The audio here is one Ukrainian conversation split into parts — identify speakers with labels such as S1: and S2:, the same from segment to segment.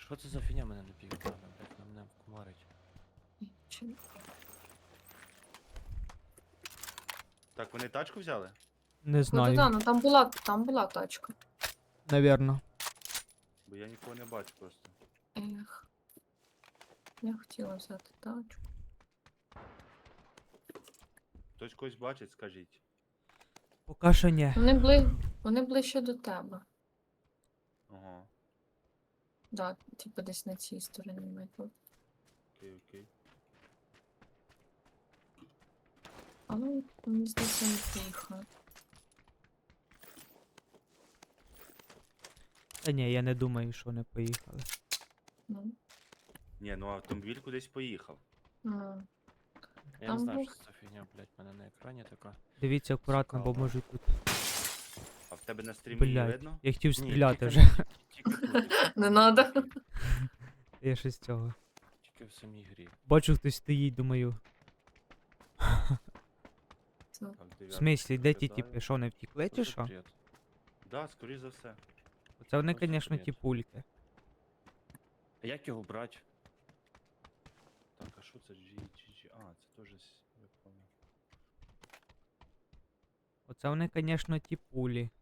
S1: Що це за фігня мене не пігнала, блядь, на мене кумарить.
S2: Чи-
S3: Так, вони тачку взяли?
S4: Не
S2: Ну,
S4: знаю.
S2: да, ну там була тачка.
S4: Навірно.
S3: Бо я нікого не бачу просто.
S2: Ех. Я хотіла взяти тачку.
S3: Хтось когось бачить, скажіть.
S4: Поки що ні.
S2: Вони ближче до тебе.
S3: Ага,
S2: Да, типу десь на цій стороні метро.
S3: окей, окей.
S2: Але мені здається, не приїхали.
S4: Та ні, я не думаю, що вони поїхали.
S2: Ну.
S3: Ні, ну автомобіль кудись поїхав.
S2: А,
S1: Я
S2: Там
S1: не знаю,
S2: був-
S1: що це за фігня, блядь, в мене на екрані така.
S4: Дивіться акуратно, бо
S1: Цікаво.
S4: можуть тут.
S3: А в тебе на стрімі не
S4: Блядь.
S3: видно?
S4: Я хотів
S1: Ні,
S4: стріляти
S1: тільки
S4: вже.
S1: Тільки тут.
S2: Не надо.
S4: Я щось цього.
S1: Тільки в самій грі.
S4: Бачу, хтось стоїть, думаю.
S3: Так,
S4: В
S3: дев'ятка
S4: смислі, де ті
S3: виглядає.
S4: типи? Що, вони втікли чи що?
S1: Бред.
S3: Да, скоріш за все.
S4: Це вони,
S1: Просто
S4: звісно,
S1: бред.
S4: ті пульки.
S1: А як його брати?
S3: Так, а що це GG? А, це теж я понял.
S4: Оце вони, звісно, ті пулі.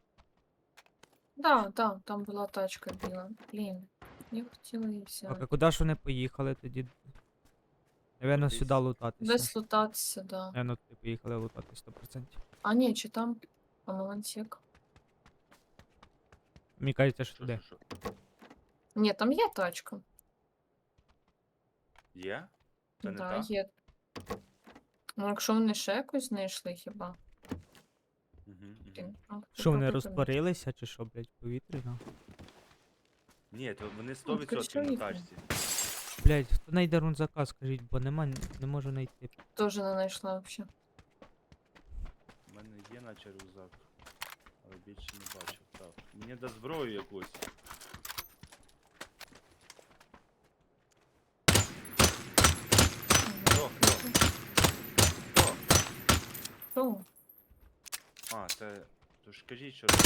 S2: Да, там була тачка біла. Блін. Я хотіла її
S4: Так,
S2: взяти.
S4: а куди ж вони поїхали тоді? Навірно,
S3: Десь-
S4: сюди лутатися.
S2: Десь лутатися, да.
S4: Навірно, туди поїхали лутатись 100%.
S2: А ні, чи там Панелантик?
S4: Мені кажеться, що
S3: Що,
S4: туди.
S3: що, що?
S2: Ні, там є тачка.
S3: Є? Це не
S2: Да,
S3: та?
S2: є. Ну, якщо вони ще якусь знайшли хіба.
S3: Угу, угу.
S2: Блін, а,
S4: Що вони
S2: попробуй
S4: розтворилися чи що, блядь, в повітрі? Ну?
S3: Ні, то вони
S2: Ну,
S3: 100%
S2: скоріше
S3: на
S2: їхали.
S3: тачці.
S4: Блядь, хто знайде рунзака, скажіть, бо нема, не можу знайти.
S2: Теж не знайшла взагалі.
S3: У мене є наче рюкзак, але більше не бачив. Так. Мені да зброю якусь. Хто?
S2: Що?
S3: А, це. То ж кажіть, що.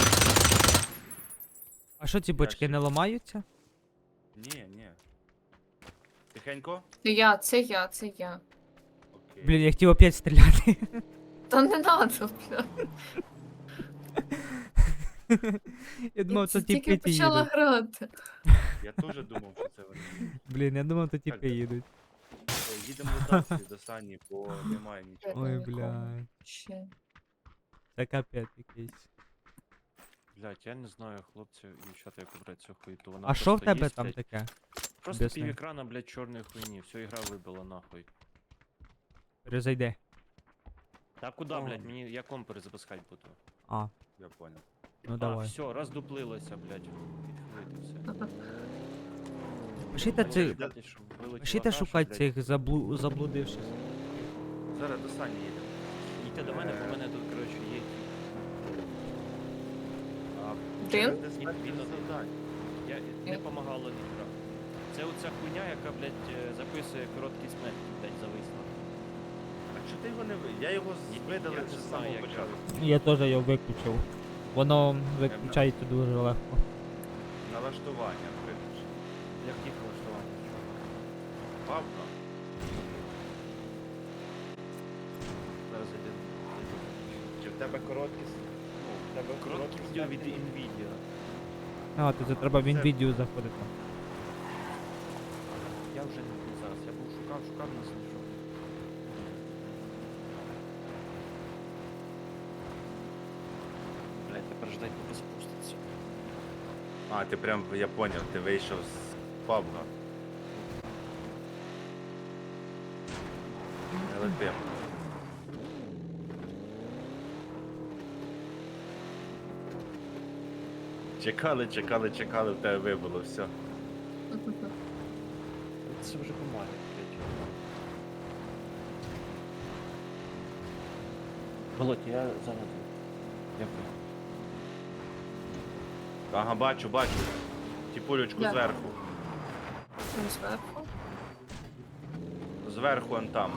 S4: А що ці бочки
S3: Ящик.
S4: не ламаються?
S3: Ні, ні. Тихенько?
S2: Це я.
S3: Окей.
S4: Блін, я хотів опять стріляти.
S2: Та не надо, бля.
S4: Я думав, це
S2: Тільки
S4: тіпи
S2: почала
S4: їдуть.
S2: грати.
S3: Я теж думав, що це вони.
S4: Блін, я думав, то
S3: Так,
S4: тіпи їдуть.
S3: Їдемо до Дації, до Сані, бо немає нічого.
S4: Ой,
S2: нікого.
S4: блядь.
S2: Ще.
S4: Це капець якийсь.
S1: Блядь, я не знаю, хлопці і дівчата, як брати цю хуйту. Вона
S4: А що в
S1: просто
S4: тебе
S1: є,
S4: там
S1: блядь.
S4: таке?
S1: Просто
S4: Об'ясни.
S1: пів екрана, блядь, чорної хуйні. Всю ігра вибила нахуй.
S4: Перезайди.
S1: Та куди,
S3: О.
S1: блядь, мені я комп перезапускати буду.
S4: А,
S3: Я понял.
S4: ну
S1: А,
S4: давай.
S1: все, роздуплилося, блядь. Відхилити все.
S4: Пишіть цих,
S1: Блядь, щоб вилетіла
S4: пишіть
S1: каша,
S4: шукати
S1: блядь.
S4: цих заблудивших.
S3: Зараз до Сані їдемо.
S1: Йдіть до мене, бо мене тут, коротше, є.
S3: А,
S2: Один?
S3: через диспетчер завдань.
S1: Я не помагало ніхера. Це оця хуйня, яка, блядь, записує короткий смерть, блядь, зависла.
S3: А чого ти його не ви? Я його видалив
S1: Я
S3: вже
S1: не
S3: з
S1: знаю,
S3: самого
S1: як
S3: початку.
S4: Я теж його виключив. Воно виключається дуже легко.
S3: Налаштування, виключно.
S1: Як їх влаштувати?
S3: Папка.
S1: Зараз іде.
S3: Чи в тебе короткість? Ну, в тебе
S1: Короткий відео від Nvidia.
S4: А, то це треба в
S3: Це-
S4: Nvidia заходити.
S1: Я вже не буду зараз. Я був шукав, не знайшов. Блядь, тепер ждать, поки спуститься.
S3: А, ти прям, я поняв, ти вийшов з пабга. Не летим. Чекали, в тебе вибило, все.
S1: Це вже помаль, блядь. Володь, я зараз. Дякую.
S3: Ага, бачу. Тіпулечку
S2: Да.
S3: зверху.
S2: Там зверху.
S3: Зверху он там.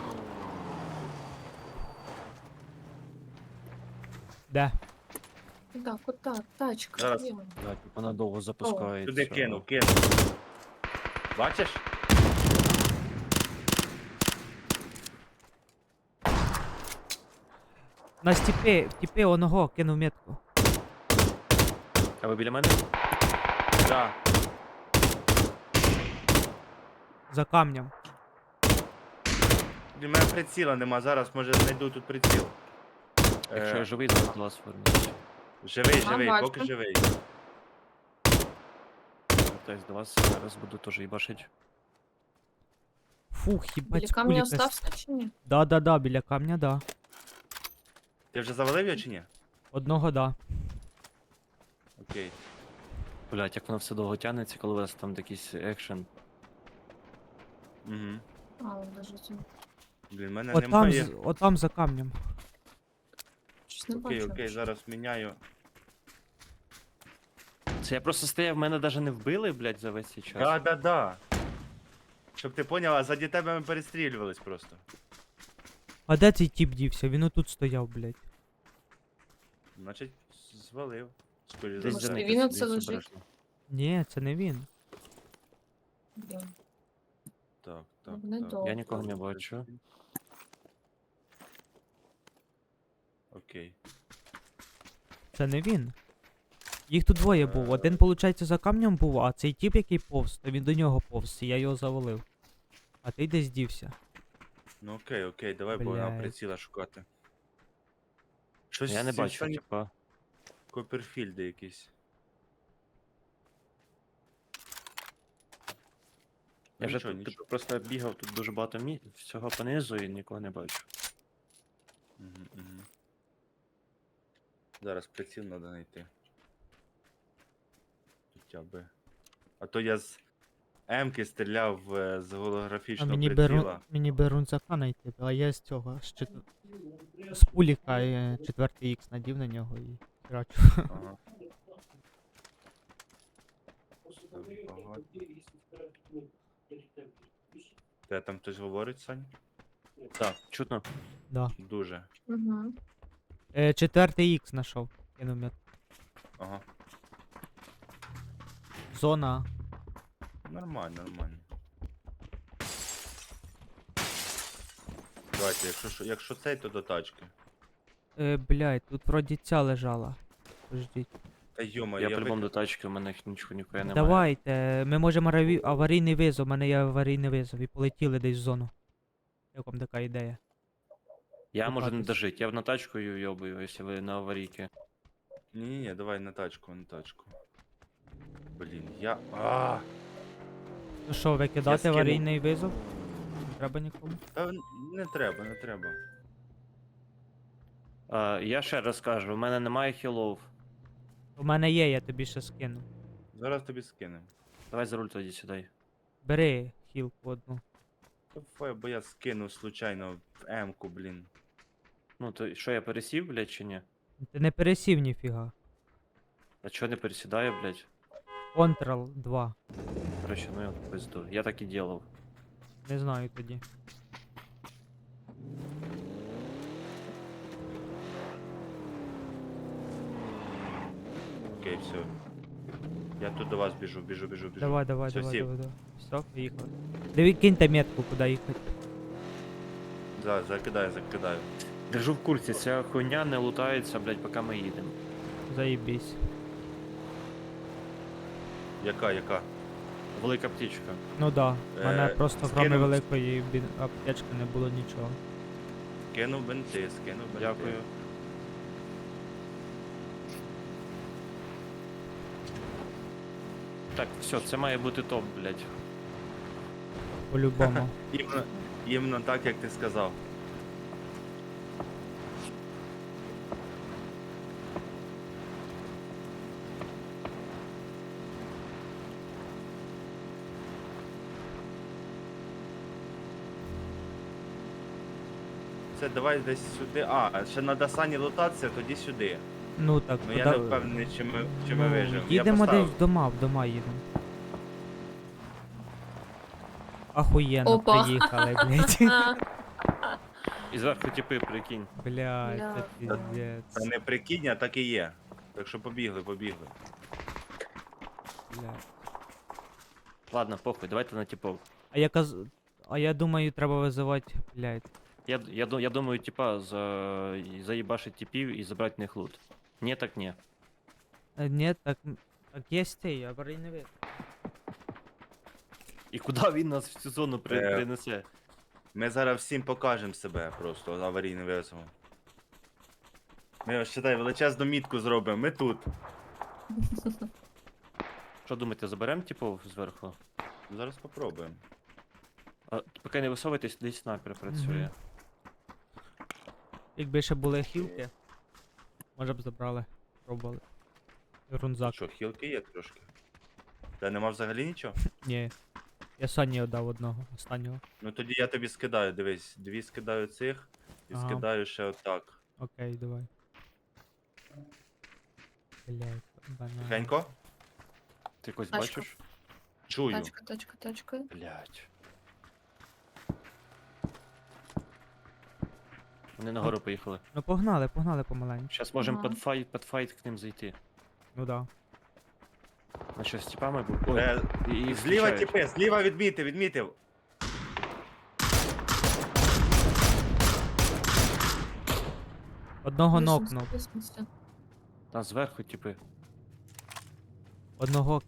S4: Де?
S2: Да, куди? Тачка.
S3: Зараз.
S2: є.
S1: Блядь, вона довго запускається.
S3: Туди кинув. Бачиш?
S4: На тіпи оного кинув метку.
S1: А ви біля мене?
S3: Да.
S4: За камнем.
S3: Для мене приціла нема, зараз може знайду тут приціл.
S1: Якщо я
S3: Е,
S1: живий, то до вас вернусь.
S3: живий,
S2: бачу.
S3: поки живий.
S1: Вертаюсь до вас, зараз буду теж їбашить.
S4: Фух, їбать,
S2: Біля
S4: з
S2: камня
S4: куліка
S2: остався чи ні?
S4: Да, біля камня, да.
S3: Ти вже завалив його чи ні?
S4: Одного да.
S3: Окей.
S1: Блять, як воно все довго тягнеться, коли у вас там якийсь екшен.
S3: Угу.
S2: А, лежить.
S3: Блін, в мене
S4: Отам,
S3: немає.
S4: отам за камнем.
S2: Щось не
S3: Окей,
S2: бачу.
S3: окей, зараз міняю.
S1: Це я просто стояв, мене навіть не вбили, блять, за весь цей час.
S3: Да. Щоб ти поняла, заді тебе ми перестрілювались просто.
S4: А де цей тіп дівся? Він отут стояв, блядь.
S3: Значить, звалив. Скоріше
S1: Десь
S2: Може,
S3: за
S2: і
S3: все.
S2: він
S1: десь
S2: оце лежить?
S1: обережно.
S4: Ні, це не він.
S2: Блін.
S3: Так.
S2: Не довго.
S1: Я нікого не бачу.
S3: Окей.
S4: Це не він. Їх тут двоє був. Один, виходить, за камнем був, а цей тіп, який повз, то він до нього повз, і я його завалив. А ти десь дівся.
S3: Ну окей, давай будемо
S4: Блядь.
S3: приціла шукати. Щось
S1: Я не
S3: ці
S1: бачу,
S3: останні
S1: типа.
S3: Копперфільди якісь.
S1: Я вже
S3: Нічого,
S1: тут
S3: нічого.
S1: типу, просто бігав тут дуже багато всього понизу і нікого не бачу.
S3: Угу. Зараз приціл треба знайти. Хоча би. А то я з М-ки стріляв з
S4: А
S3: голографічного
S4: мені
S3: приціла.
S4: мені рунцака знайти, а я з цього, з пуліка 4 х надів на нього і херачу.
S3: Ага. Ага. Те там хтось говорить, Сань?
S1: Так, чутно.
S4: Да.
S3: Дуже.
S2: Угу.
S4: 4 х знайшов. Кинув мет.
S3: Ага.
S4: Зона.
S3: Нормально. Давайте, якщо цей, то до тачки.
S4: Блядь, тут вроді ця лежала. Подождіть.
S3: Та йома,
S1: Я
S3: я
S1: по-любому до тачки, у мене нічого ніхуя немає.
S4: Давайте, ми можемо аварійний визов, у мене є аварійний визов і полетіли десь в зону. Як вам така ідея?
S1: Я можу не
S4: кататись.
S1: дожити, я в на тачку йобую, якщо ви на аварійки.
S3: Ні, давай на тачку. Блін,
S4: Ну що, викидати
S1: скинув.
S4: аварійний визов? Не треба нікому.
S3: Та не треба.
S1: Я ще раз кажу, у мене немає хілов.
S4: У мене є, я тобі ще скину.
S3: Зараз тобі скинем.
S1: Давай за руль тоді сідай.
S4: Бери хілку одну.
S3: Давай, бо я скинув случайно в М-ку, блін.
S1: Ну то що я пересів, блядь, чи ні?
S4: Ти не пересів ніфіга.
S1: А чого не пересідаю, блядь?
S4: Ctrl 2.
S1: Короче, ну я в пизду. Я так і делав.
S4: Не знаю тоді.
S3: Окей, все. Я тут до вас біжу.
S4: Давай.
S3: Всё, сів.
S4: Все, поїхали. Диви, киньте метку, куди їхати.
S3: Закидаю.
S1: Держу в курсі, ця хуйня не лутається, блядь, поки ми їдемо.
S4: Заїбісь.
S3: Яка?
S1: Велика птічка.
S4: Ну да, в мене
S3: Е,
S4: просто
S3: скинув.
S4: кроме великої аптечки не було нічого.
S3: Скинув бенти.
S1: Дякую. Так, все, це має бути топ, блядь.
S4: По-любому.
S3: Іменно так, як ти сказав. Це давай десь сюди. Ще на Дасані лутатися, тоді сюди.
S4: Ну так,
S3: Ну я не впевнений, чи ми виживемо. Я
S4: Їдемо
S3: поставив.
S4: десь в дома їдемо. Ахуєнно,
S2: Опа.
S4: приїхали, блядь.
S1: І зверху типи, прикинь.
S4: Блядь, це
S2: Бля.
S4: піздець.
S3: Та не прикинь, а так і є. Так що побігли.
S4: Блядь.
S1: Ладно, похуй, давайте на типов.
S4: А я думаю, треба визивати, блядь.
S1: Я думаю, типа, заїбашить типів і забрати в них лут. Ні, так ні.
S4: Ні, так є цей, аварійний вид.
S1: І куди він нас в цю зону принесе?
S3: Ми зараз всім покажемо себе просто аварійним визовом. Ми ось считай, величезну мітку зробимо, ми тут.
S1: Що думаєте, заберемо типов зверху?
S3: Зараз попробуємо.
S1: А, поки не висовуйтесь, десь снайпер працює.
S4: Мгм. Якби ще були хілки, може б забрали. Пробували. Рунзак.
S3: Що, хілки є трошки? Та нема взагалі нічого?
S4: Ні. Я Сані віддав одного, останнього.
S3: Ну тоді я тобі скидаю, дивись, 2 скидаю цих і
S4: Ага.
S3: скидаю ще отак.
S4: Окей, давай. Блядь, банан.
S3: Тихенько?
S1: Ти когось
S2: Тачка.
S1: бачиш?
S3: Чую.
S2: Тачка.
S1: Блять. Вони нагору поїхали.
S4: Ну погнали помаленьку.
S1: Зараз можемо
S2: Ага.
S1: під файт к ним зайти.
S4: Ну да.
S1: На що з типами був? Ой,
S3: Е,
S1: і їх
S3: Зліва
S1: зустрічають.
S3: тіпи, зліва відмітив.
S4: Одного нокнув.
S1: Там зверху, типи.
S4: Одного.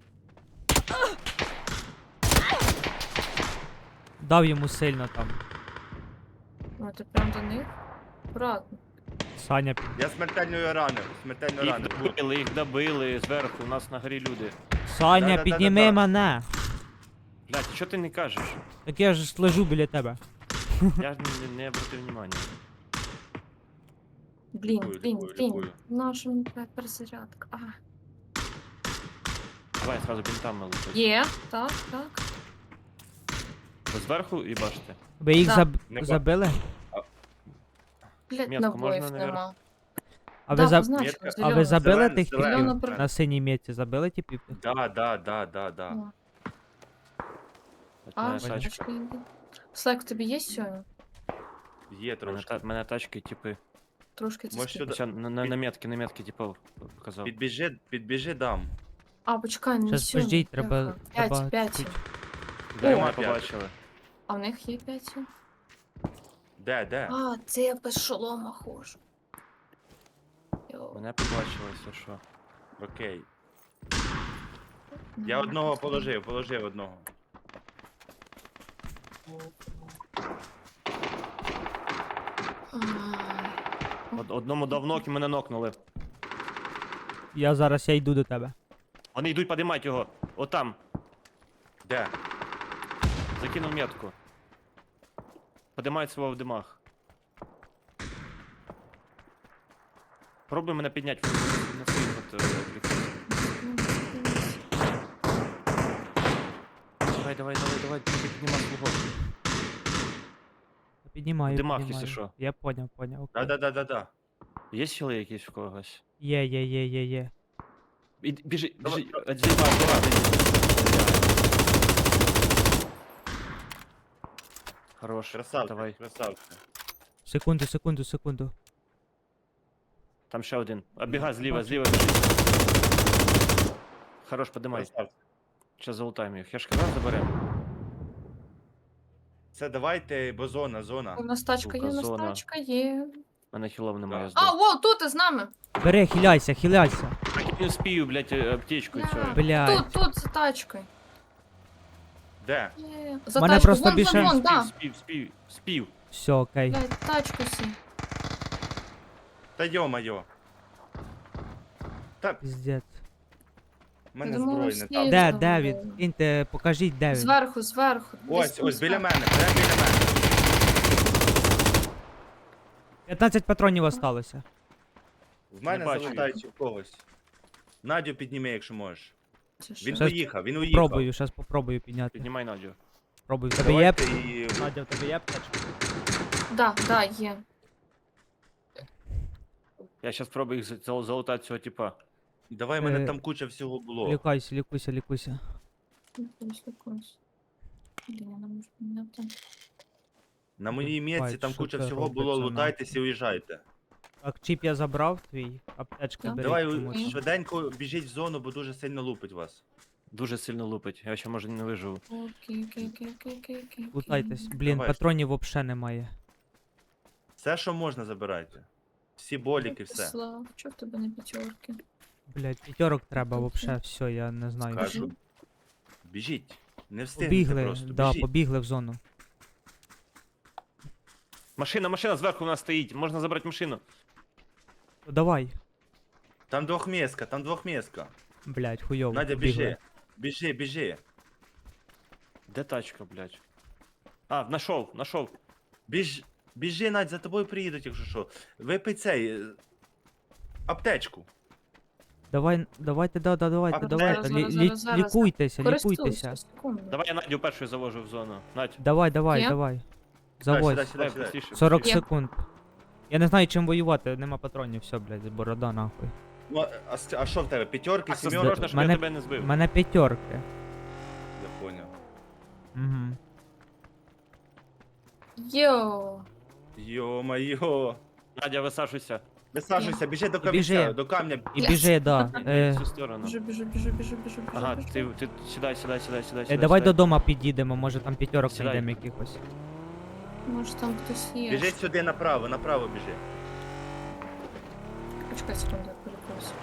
S4: Дав йому сильно там.
S2: О, ти прям до них? Аккуратно.
S4: Саня.
S3: Я смертельно ранив.
S1: Їх добили зверху, у нас на горі люди.
S4: Саня,
S3: Да-да-да-да-да.
S4: підніми мене!
S1: Блять, що ти не кажеш?
S4: Так я ж лежу біля тебе.
S1: Я ж не обратив внимання.
S2: Блін.
S3: Лікую.
S2: Наша мені така перезарядка. А.
S1: Давай сразу бінтами лупить.
S2: Є, так.
S1: Ви зверху і бачите.
S4: Ви їх
S2: Да.
S3: Не
S4: забили?
S2: Блять,
S1: Метку
S2: набоїв
S1: можна, наверно?
S2: нема.
S4: А
S2: Да,
S4: ви,
S2: позначила,
S3: Метка.
S4: а ви
S2: зелена.
S4: забили
S3: Зелена,
S4: тих
S3: зелена.
S4: типів?
S2: Зелена
S4: На синій меті забили типів?
S3: Да.
S2: О,
S1: От
S2: А,
S1: мене тачка.
S2: тачка йде. Слайк, в тобі є сьогодні?
S3: Є трошки.
S1: Мене тачки, типи.
S2: Трошки це
S3: Може,
S2: скільки?
S3: сюди.
S1: Все, на метки, типу, показав.
S3: Підбіжи дам.
S2: А, почекай, не
S4: Щас,
S2: сьогодні.
S4: подождіть, треба- треба
S2: 5.
S4: чуть-
S1: Де
S2: О.
S1: мене побачили?
S2: А в них є 5?
S3: Де?
S2: А, це я без шолома ходжу. Йоу.
S1: Мене побачили, все що.
S3: Окей. Я одного положив одного.
S1: Одному дав нок і мене нокнули.
S4: Я йду до тебе.
S1: Вони йдуть подимати його. Отам.
S3: Де?
S1: Закинув метку. Подимають свого в димах. Пробуй мене підняти. Він на своїх от відвлекся. Давай, піднімай свого.
S4: Піднімаю,
S1: В димах,
S4: піднімаю.
S1: якщо що.
S4: Я поняв, окей.
S3: Да.
S1: Є сили якісь в когось?
S4: Є.
S1: Біжи,
S3: Давай,
S1: Хорош,
S3: Красавчик,
S1: давай.
S3: красавчик.
S4: Секунду.
S1: Там ще один. Оббігай зліва біжи. Хорош, подимай.
S3: Красавчик.
S1: Сейчас залутаємо їх. Я ж казав, заберемо.
S3: Це давайте, бо зона.
S2: У нас тачка
S1: Сука,
S2: є, у нас
S1: зона.
S2: тачка є.
S1: У мене хілов немає.
S2: А, во, тут з нами.
S4: Бери, хиляйся.
S1: Не успію, блядь, аптечку і все.
S4: Блядь.
S2: Тут, за тачкою.
S3: Де?
S2: Є. За
S4: Мене
S2: тачкою,
S4: просто
S2: вон,
S4: більше-
S2: вон, да.
S1: Спів.
S4: Все, окей.
S2: Блядь, тачку сі.
S3: Та йо-моє. Та
S4: Піздець.
S3: в мене
S2: Я думала,
S3: зброї
S2: всі-
S3: не там.
S4: Де,
S2: там
S4: де
S2: було.
S4: він? Киньте, покажіть, де він.
S2: Зверху.
S3: Ось,
S2: Десь
S3: біля
S2: там
S3: мене, прямо біля мене.
S4: 15 патронів осталося.
S3: В мене
S1: бачу
S3: залутають в когось. Надю підніми, якщо можеш.
S2: Це що?
S3: Він
S4: Щас
S3: уїхав.
S4: Попробую підняти.
S1: Піднімай Надю.
S4: Пробуй. В тебе є?
S3: Давайте і...
S4: Надя, в тебе є аптечка?
S2: Да, є.
S1: Я зараз спробую їх залутати цього типа.
S3: Давай, в мене
S4: Е,
S3: там куча всього було.
S4: Лікуйся.
S2: Якось. Блін, я не можу підняти.
S3: На моїй місці
S4: Бать,
S3: там
S4: що
S3: куча
S4: це
S3: всього було,
S4: робиться,
S3: лутайтеся і уїжджайте.
S4: Так, чіп я забрав твій, аптечка
S2: Так.
S4: бери.
S3: Давай
S4: комусь.
S3: швиденько біжіть в зону, бо дуже сильно лупить вас.
S1: Дуже сильно лупить. Я ще може не виживу.
S2: Окей.
S4: Лутайтесь. Блін,
S3: Давай.
S4: патронів взагалі немає.
S3: Все, що можна, забирайте. Всі боліки, все.
S2: Слав, чого в тебе не п'ятерки?
S4: Блять, п'ятерок треба
S2: Окей.
S4: взагалі, все, я не знаю.
S3: Кажу. Біжіть. Не встигнете
S4: Побігли,
S3: просто.
S4: да,
S3: Біжіть.
S4: побігли в зону.
S1: Машина зверху у нас стоїть. Можна забрати машину.
S4: Ну, давай.
S3: Там двохмістка.
S4: Блять, хуйово.
S3: Надя,
S4: побігли.
S3: біжи.
S1: Де тачка, блядь? А, нашов.
S3: Біжи, Надь, за тобою приїдуть, якщо що. Випий цей. Аптечку.
S4: Давайте, давайте,
S3: А,
S4: давайте.
S2: зараз.
S4: Лікуйтеся,
S2: Користуйся,
S4: лікуйтеся.
S2: секунду.
S1: Давай я Надю першою завожу в зону. Надь.
S4: Давай,
S2: Є?
S4: давай.
S3: Сідай,
S4: Заводь.
S3: сідай.
S1: Быстріше,
S4: 40
S1: быстріше.
S2: Є.
S4: секунд. Я не знаю, чим воювати, нема патронів, все, блядь, борода нахуй.
S3: Ну, а що в тебе? П'ятерки,
S1: Так,
S3: сімерки?
S1: осторожно, щоб я
S4: Мене-
S1: тебе не збив.
S4: У мене п'ятерки.
S3: Я поняв.
S4: Угу.
S2: Йоу.
S3: Йо-майо.
S1: Надя, висаджуйся.
S3: Висаджуйся, біжи до
S4: Біжи.
S3: камінця, до камня.
S4: І
S2: Yes.
S4: біжи, да.
S1: В цю сторону.
S2: Біжу.
S1: Ага, ти сідай.
S4: Давай додому під'їдемо, може там п'ятерок
S1: Сідай.
S4: знайдемо якихось.
S2: Може там хтось є.
S3: Біжи сюди направо біжи.
S2: Почекай секунду, я перепрошую.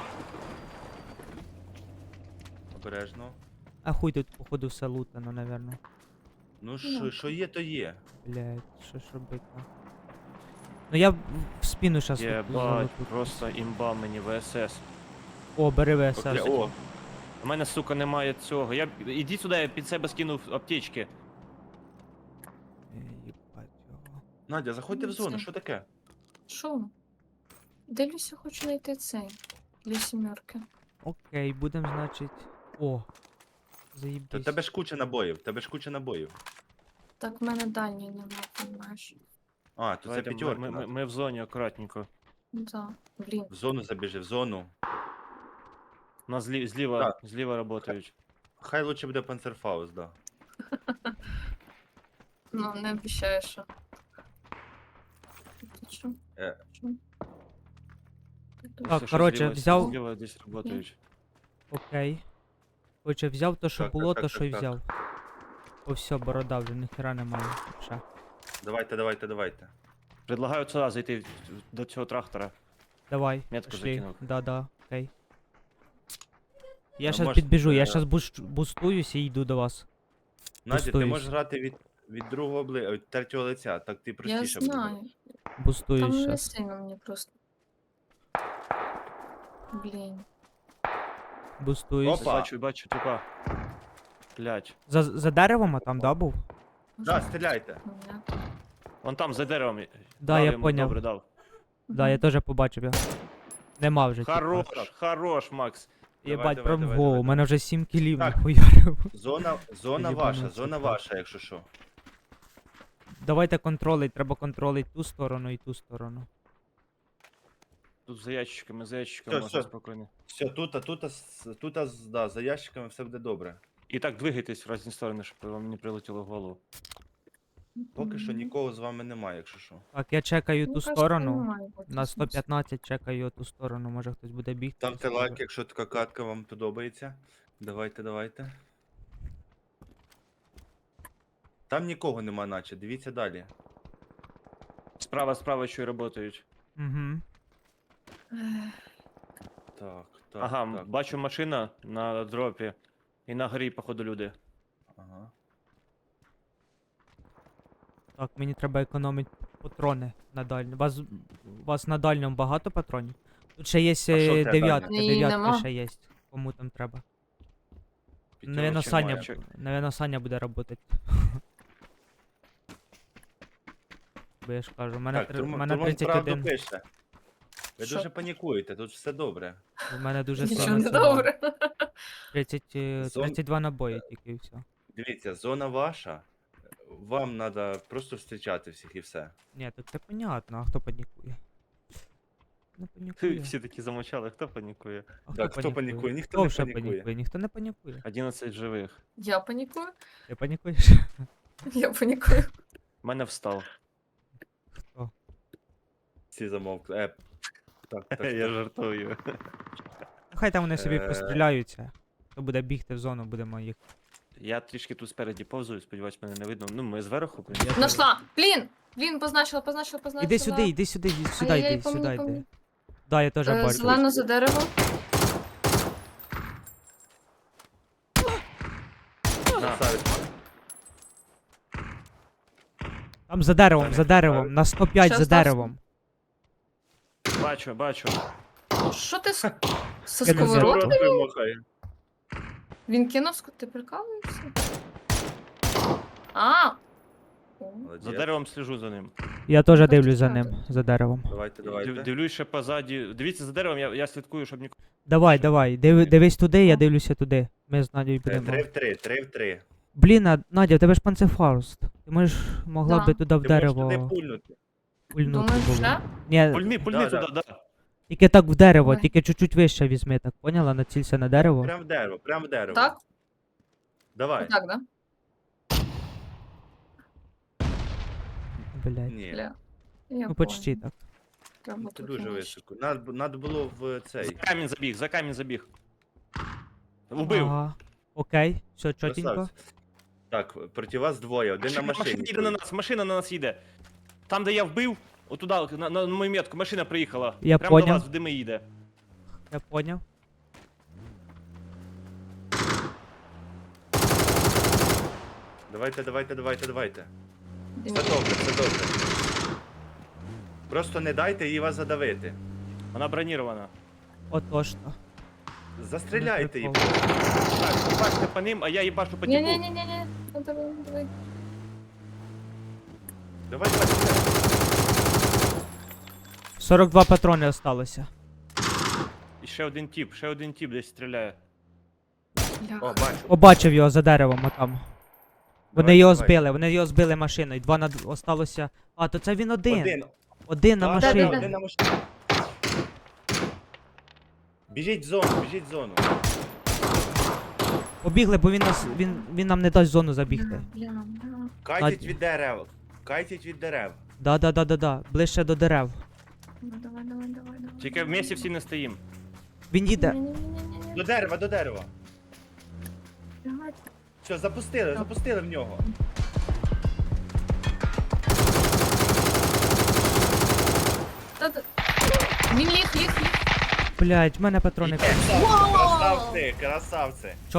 S3: Обережно.
S4: А хуй тут, походу, все лутано, наверно.
S3: Ну
S2: Ну.
S3: що є, то є.
S4: Блять, що ж робити? Ну я в спину щас
S1: Єбать,
S4: залету.
S1: просто імба мені ВСС.
S4: О, бери ВСС.
S3: О,
S1: У мене, сука, немає цього. Іди сюди, я під себе скинув аптечки.
S4: Єбать його.
S3: Надя, заходьте в зону,
S2: Це.
S3: що таке?
S2: Що? Дивлюся, хочу знайти цей. Для сімерки.
S4: Окей, будем, значить. О.
S3: Та
S4: Заїбісь.
S3: тебе ж куча набоїв.
S2: Так в мене дальній нема, розумієш?
S3: А, то це
S1: Давайте,
S3: п'ятерка.
S1: ми в зоні акуратненько.
S2: Да. Блін.
S3: В зону забіжи, в зону.
S1: У нас зліва працюють.
S3: Хай лучше буде панцерфаус, да.
S2: Ну, не обіцяю, що. Ти що?
S3: Е.
S2: Що?
S4: Так, коротше, взяв-
S1: Зліва десь працюють.
S4: Окей. Короче, взяв то, що
S3: Так,
S4: було,
S3: так,
S4: то,
S3: так,
S4: що й
S3: так,
S4: взяв. О, все, борода вже ніхера немає. Ще.
S3: Давайте.
S1: Предлагаю сюди зайти до цього трактора.
S4: Давай,
S1: Метку
S4: пішли.
S1: закинув.
S4: Да, окей. Я
S3: Ну,
S4: щас
S3: може,
S4: підбіжу, я
S3: е,
S4: щас бустуюсь і йду до вас.
S3: Надя, ти
S4: Пустуюсь.
S3: можеш грати від другого від третього лиця, так ти
S2: Я
S3: простіше буде.
S2: знаю.
S4: Бустуюсь
S2: Там не
S4: щас.
S2: сильно мені просто. Блін.
S4: Бустуюсь.
S3: Опа.
S1: Бачу, тупа. Блять.
S4: За деревом, а там, да, був?
S3: Да, стріляйте.
S2: Понятно.
S1: Вон там, за деревом.
S4: Да,
S1: Дав
S4: я
S1: йому,
S4: поняв.
S1: Добре, дав.
S4: Да, я теж побачив його. Нема вже. типа.
S1: Хорош, Макс.
S4: Єбать,
S3: Давай,
S4: прям в
S3: давай,
S4: голову. У
S3: давай.
S4: мене вже 7 кілів
S3: Так.
S4: нахуярив.
S3: Зона
S4: Єбануться,
S3: ваша,
S4: так.
S3: якщо що.
S4: Давайте контролить, треба контролить ту сторону і ту сторону.
S1: Тут за ящиками
S3: Всё,
S1: можна
S3: всё.
S1: спокійно.
S3: Все, тут, да, за ящиками все буде добре.
S1: І так двигайтесь в різні сторони, щоб вам не прилетіло в голову.
S3: Поки що нікого з вами немає, якщо що.
S4: Так, я чекаю
S2: Ну,
S4: ту
S2: кажется,
S4: сторону.
S2: немає бути
S4: На
S2: сенсу.
S4: 115 чекаю ту сторону, може хтось буде бігти.
S3: Ставте лайк, якщо така катка вам подобається. Давайте. Там нікого нема, наче, дивіться далі.
S1: Справа що й працюють.
S4: Угу.
S2: Ех,
S3: Так.
S1: Ага, бачу машина на дропі. І на горі, походу, люди.
S3: Ага.
S4: Так, мені треба економити патрони на дальньому. Вас на дальньому багато патронів? Тут ще є
S3: що в тебе
S4: дев'ятки,
S2: дальня? Ні,
S4: дев'ятки
S2: нема.
S4: ще є. Кому там треба.
S3: П'ятерочка
S4: Навірно, Саня,
S3: має.
S4: навірно, Саня буде працювати. Бо я ж кажу, у мене,
S3: Так,
S4: у мене
S3: Турман правду
S4: 31.
S3: пише. Ви
S2: Що?
S3: дуже панікуєте, тут все добре.
S4: У мене дуже
S2: Нічого
S4: сильно
S2: не
S4: цього.
S2: добре.
S4: 32 набої тільки і все.
S3: Дивіться, зона ваша. Вам треба просто зустрічати всіх і все.
S4: Ні, так це понятно, а хто панікує? Не панікує.
S1: Всі такі замовчали, хто панікує?
S4: А
S3: Так, хто панікує? Ніхто
S4: Хто
S3: не
S4: вже
S3: панікує.
S4: панікує? Ніхто не панікує.
S1: 11 живих.
S2: Я панікую?
S4: Ти панікуєш?
S2: Я панікую.
S1: Мене встав.
S4: Хто?
S3: Всі замовкли. Так.
S1: Я жартую.
S4: Хай там вони собі
S3: Е.
S4: постріляються. Хто буде бігти в зону, будемо їх.
S1: Я трішки тут спереді повзую, сподіваюсь, мене не видно. Ну, ми зверху, блін.
S4: Я
S2: Нашла! Блін! Блін, позначила.
S4: Іди сюди, іди сюди, іди сюди,
S2: Ай-яй-яй,
S4: йди,
S2: по мені,
S4: сюди
S2: по
S4: йди.
S2: мені.
S4: Да, я теж бачу.
S2: Зелено за дерево.
S3: Красавець.
S4: Там за деревом,
S3: Та
S4: за
S3: не
S4: деревом, на 105
S2: Щас
S4: за
S2: стався.
S4: деревом.
S1: Бачу.
S2: Що ти з
S4: Я не
S2: сковородки?
S3: Рот вимахає.
S2: Він кинув ти прикалуєшся? А! О,
S3: Молодець.
S1: За деревом сліжу за ним.
S4: Я теж
S2: Так,
S4: дивлюсь за
S2: так.
S4: ним, за деревом.
S3: Давайте, давайте.
S1: Дивлюсь ще позаді. Дивіться за деревом, я слідкую, щоб нікого.
S4: Давай, давай, дивись туди, я дивлюся туди. Ми з Надією будемо.
S3: 3 в 3, 3 в 3.
S4: Блін, Надя, у тебе ж панцефауст. Ти можеш, могла
S2: Да.
S4: би туди в
S3: Ти можеш
S4: дерево
S3: туди пульнути.
S4: пульнути
S2: Думаєш,
S4: було.
S2: вже?
S4: Ні,
S1: Пульни
S3: Да,
S1: туди, да.
S4: тільки так в дерево,
S2: Ой.
S4: тільки чуть-чуть вище візьми, так поняла? Націлься на дерево.
S3: Прям в дерево, прям в дерево.
S2: Так?
S3: Давай.
S2: Так, да?
S4: Блядь.
S3: Ні,
S2: Бля. Я
S4: Ну почти
S2: поняла.
S4: так.
S2: Треба
S3: ну це
S2: тут
S3: дуже
S2: нижче.
S3: високо. Надо було в цей.
S1: За камінь забіг. Убив.
S4: Ага. Окей, все чотенько.
S3: Красавець. Так, проти вас двоє, один на машині.
S1: Машина їде на нас, машина на нас їде. Там, де я вбив, отуда, на мою метку, машина приїхала.
S4: Я
S1: Прямо до
S4: поняв.
S1: вас в дими їде.
S4: Я поняв.
S3: Давайте. Все
S2: Дивіться.
S3: добре, все добре. Просто не дайте їй вас задавити.
S1: Вона бронірована.
S4: Отож то.
S3: Застріляйте її.
S4: прикол.
S1: Так, їбаште по ним, а я їбашу по тіпу.
S2: Ні-ні-ні-ні. Ну, давай.
S3: Давай.
S4: 42 патрони осталося.
S1: І ще один тіп десь стріляє.
S2: Бля.
S3: О, бачу.
S4: Побачив його за деревом отам. Вони
S3: Давай,
S4: його
S3: давай.
S4: збили, вони його збили машиною. Два осталося. А, то це він один. Один на
S3: Так,
S4: машині.
S2: да.
S3: один на машині. Біжіть в зону.
S4: Побігли, бо він нам не дасть в зону забігти.
S2: Бля.
S3: Кайтіть від дерев.
S4: Да. Ближче до дерев.
S2: Ну, давай.
S1: Тільки в місті всі не стоїм.
S4: Він їде.
S2: Ні-ні-ні-ні-ні.
S3: До дерева.
S2: Блядь.
S3: Все, запустили в нього.
S2: Та-та. Він ліг.
S4: Блять, в мене патрони.
S3: Красавці.